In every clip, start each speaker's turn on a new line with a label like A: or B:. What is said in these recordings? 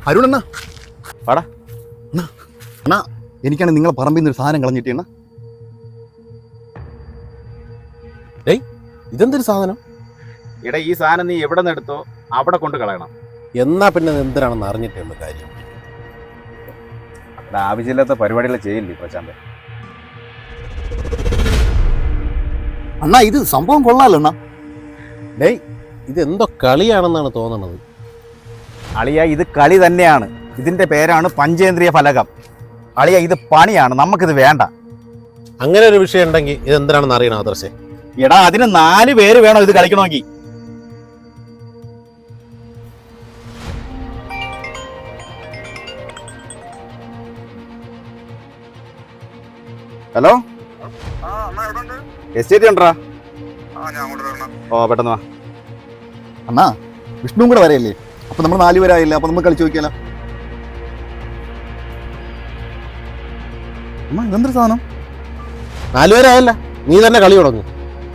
A: അരുണണ്ണ
B: വാടാ
A: അണ്ണാ, എനിക്കാണ് നിങ്ങളെ പറമ്പിൽ നിന്ന് ഒരു സാധനം കളഞ്ഞിട്ടേണ്ണ.
C: ഡേയ്, ഇതെന്തൊരു സാധനം?
B: ഇട ഈ സാധനം നീ എവിടെ നിന്ന് എടുത്തോ അവിടെ കൊണ്ട് കളയണം.
C: എന്നാ പിന്നെ എന്തിനാണെന്ന് അറിഞ്ഞിട്ടുണ്ട് കാര്യം.
B: അവിടെ ആവശ്യമില്ലാത്ത പരിപാടികൾ ചെയ്യില്ലേ പ്രശാന്ത്.
A: അണ്ണാ, ഇത് സംഭവം കൊള്ളാലോ അണ്ണാ.
C: ഡേയ്, ഇതെന്തോ കളിയാണെന്നാണ് തോന്നണത്.
B: അളിയ, ഇത് കളി തന്നെയാണ്. ഇതിന്റെ പേരാണ് പഞ്ചേന്ദ്രിയ ഫലകം. അളിയ, ഇത് പണിയാണ്, നമുക്കിത് വേണ്ട.
C: അങ്ങനെ ഒരു വിഷയം ഉണ്ടെങ്കിൽ ഇതെന്തിനാണെന്ന് അറിയണം ആദർശേ.
B: എടാ, അതിന് 4 പേര് വേണം ഇത് കളിക്കണമെങ്കിൽ. ഹലോ, എസ്റ്റേറ്റ് ഉണ്ടോ? ഓ, പെട്ടെന്ന് വാ.
A: അണ്ണാ, വിഷ്ണുവും കൂടെ വരെയല്ലേ? അപ്പൊ നമ്മൾ 4 പേരായില്ല. അപ്പൊ നമുക്ക് കളിച്ചു നോക്കിയാലോ? അമ്മ, ഇതെന്തൊരു സാധനം?
C: 4 പേരായല്ല, നീ തന്നെ കളി തുടങ്ങും.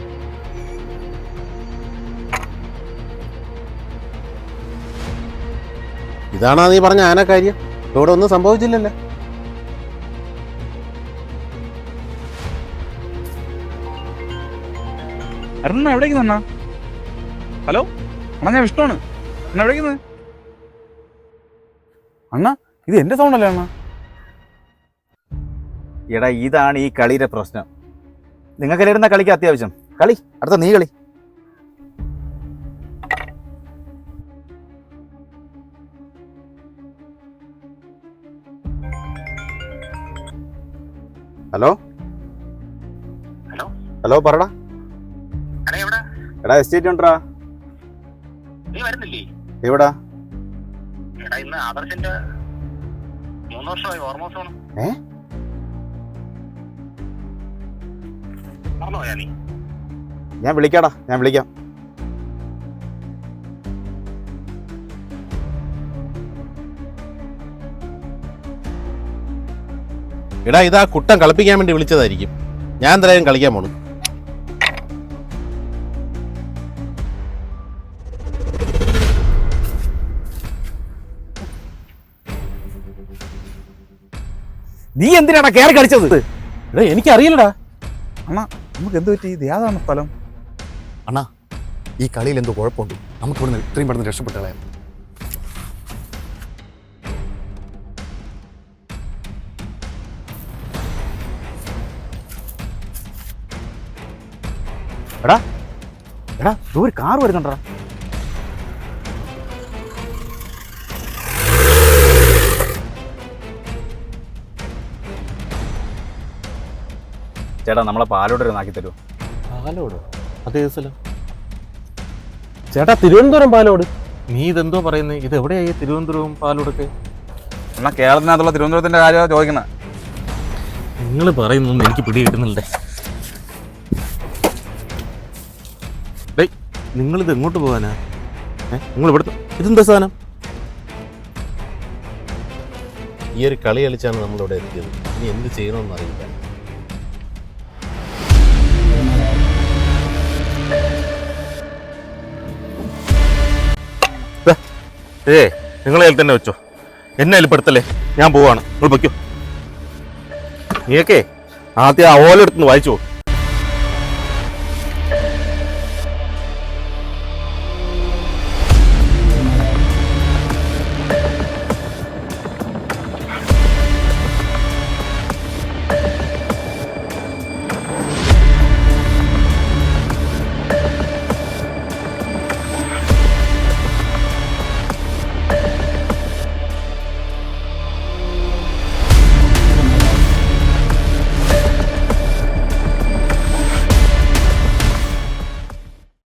C: ഇതാണോ നീ പറഞ്ഞ ആനക്കാര്യം? ഇവിടെ ഒന്നും സംഭവിച്ചില്ലല്ലോ.
D: അരുണ എവിടേക്ക് നിന്നാ? ഹലോ അണ്ണാ, ഞാൻ വിഷ്ണുവാണ്. അണ്ണ എവിടേക്ക് നിന്ന്? അണ്ണ, ഇത് എന്റെ സൗണ്ട് അല്ലേ അണ്ണ?
B: എടാ, ഇതാണ് ഈ കളിയുടെ പ്രശ്നം. നിങ്ങൾക്ക് ഇരുന്ന കളിക്ക് അത്യാവശ്യം കളി. അടുത്ത നീ കളി. ഹലോ
E: ഹലോ
B: ഹലോ, പറടാ. എടാ, എസ്റ്റേറ്റ് ഉണ്ടോ?
E: നീ വരുന്നില്ലേ?
B: എവിടാ?
E: എടാ, ഇന്ന് ആദർശിന്റെ 3 വർഷമായി ഓർമ്മോസമാണ്. മറന്നുപോയാ നീ?
B: ഞാൻ വിളിക്കാടാ, ഞാൻ വിളിക്കാം.
C: എടാ, ഇതാ കുട്ടൻ കളിപ്പിക്കാൻ വേണ്ടി വിളിച്ചതായിരിക്കും. ഞാൻ എന്തായാലും കളിക്കാൻ പോണു.
B: നീ എന്തിനാടാ കയറി കളിച്ചത്?
C: എടാ, എനിക്കറിയില്ലടാ.
D: അണ്ണാ, നമുക്ക് എന്ത് പറ്റി? ഇത് ഏതാണ് സ്ഥലം?
A: അണ്ണാ, ഈ കളിയിൽ എന്തോ കുഴപ്പമുണ്ട്. നമുക്ക് ഇവിടുന്ന് ഇത്രയും പെട്ടെന്ന് രക്ഷപ്പെട്ട കളയാം.
B: എടാ എടാ, ഒരു കാർ വരുന്നുണ്ടോ? ചേട്ടാ, നമ്മളെ പാലോട് ആക്കി തരുമോ?
C: പാലോട്? അതേ സ്ഥലം? ചേട്ടാ, തിരുവനന്തപുരം പാലോട്. നീ ഇതെന്തോ പറയുന്നത്? ഇത് എവിടെയായി തിരുവനന്തപുരവും പാലോടൊക്കെ?
D: എന്നാ കേരളത്തിനകത്തുള്ള തിരുവനന്തപുരത്തിന്റെ കാര്യമാണ് ചോദിക്കുന്നത്.
C: നിങ്ങൾ പറയുന്നൊന്നും എനിക്ക് പിടി കിട്ടുന്നില്ലേ. ഡേയ്, നിങ്ങളിത് എങ്ങോട്ട് പോകാനാ? നിങ്ങൾ ഇവിടുത്തെ ഇതെന്താ സാധനം? ഈ ഒരു കളി കളിച്ചാണ് നമ്മളിവിടെ എത്തിയത്. ഇനി എന്ത് ചെയ്യണമെന്ന് അറിയില്ല. നിങ്ങൾ അതിൽ തന്നെ വെച്ചോ, എന്നെ അതിൽപ്പെടുത്തല്ലേ. ഞാൻ പോവാണ്, നിങ്ങൾ വയ്ക്കോ. നീയൊക്കെ ആദ്യം ആ ഓലെടുത്തുനിന്ന് വായിച്ചോ.